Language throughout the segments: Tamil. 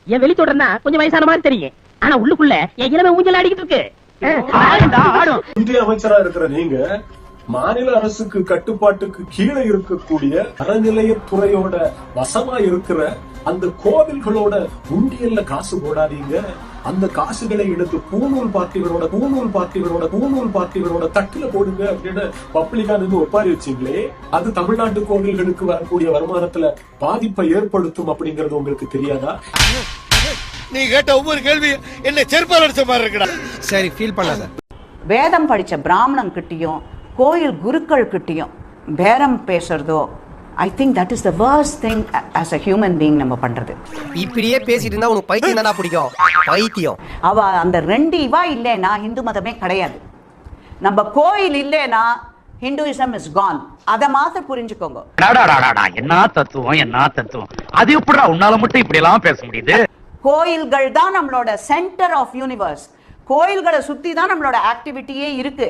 என் வெளி தொடர்னா கொஞ்சம் வயசான மாதிரி தெரியும், ஆனா உள்ளுக்குள்ள என் இளமை ஊஞ்சல் ஆடிக்கிட்டு இருக்கு. ஆடும். இந்திய அமைச்சரா இருக்கிற நீங்க மாநில அரசுக்கு கட்டுப்பாட்டுக்கு கீழே இருக்கக்கூடிய அறநிலையத்துறையோட வசமா இருக்கிற அந்த கோவில்களோட உண்டியல்ல காசு போடாதீங்க. அந்த காசுகளை எடுத்து பூணூல் பாக்கிகளோட தட்டுல போடுங்க அப்படின்னு பப்ளிக்கா நின்று ஒப்பாரி வச்சீங்களே, அது தமிழ்நாட்டு கோவில்களுக்கு வரக்கூடிய வருமானத்துல பாதிப்பை ஏற்படுத்தும் அப்படிங்கறது உங்களுக்கு தெரியாதா? நீ கேட்ட ஒவ்வொரு கேள்வி என்ன செருப்பால் அடிச்ச மாதிரி இருக்குடா. சரி, ஃபீல் பண்ணாத. வேதம் படிச்ச பிராமணன் கிட்டயும் கோயில் குருக்கள் கிட்டயும் பேரம் பேசுறதோ, I think that is the worst thing as a human being நம்ம பண்றது. இப்படியே பேசிட்டு இருந்தா உனக்கு பைத்தியம் தானா பிடிக்கும்? பைத்தியம். அவ அந்த ரெண்டு இவா இல்லைன்னா இந்து மதமே கிடையாது. நம்ம கோயில் இல்லைன்னா ஹிந்துயிசம் இஸ் கான். அதை மாத்த புரிஞ்சுக்கோங்க. என்ன தத்துவம் அது எப்படிடா உன்னால மட்டும் இப்படி எல்லாம் பேச முடியுது? கோயில்கள் தான் நம்மளோட சென்டர் ஆஃப் யூனிவர்ஸ். கோயில்களை சுத்தி தான் நம்மளோட ஆக்டிவிட்டியே இருக்கு.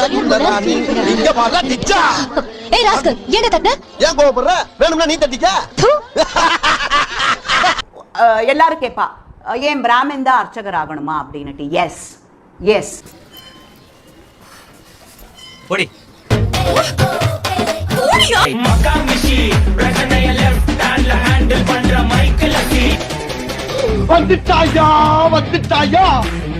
எல்லாரும் கேப்பா, ஏன் பிராமின் தான் அர்ச்சகர் ஆகணுமா அப்படின்னுட்டு. S S. வந்துட்டாயா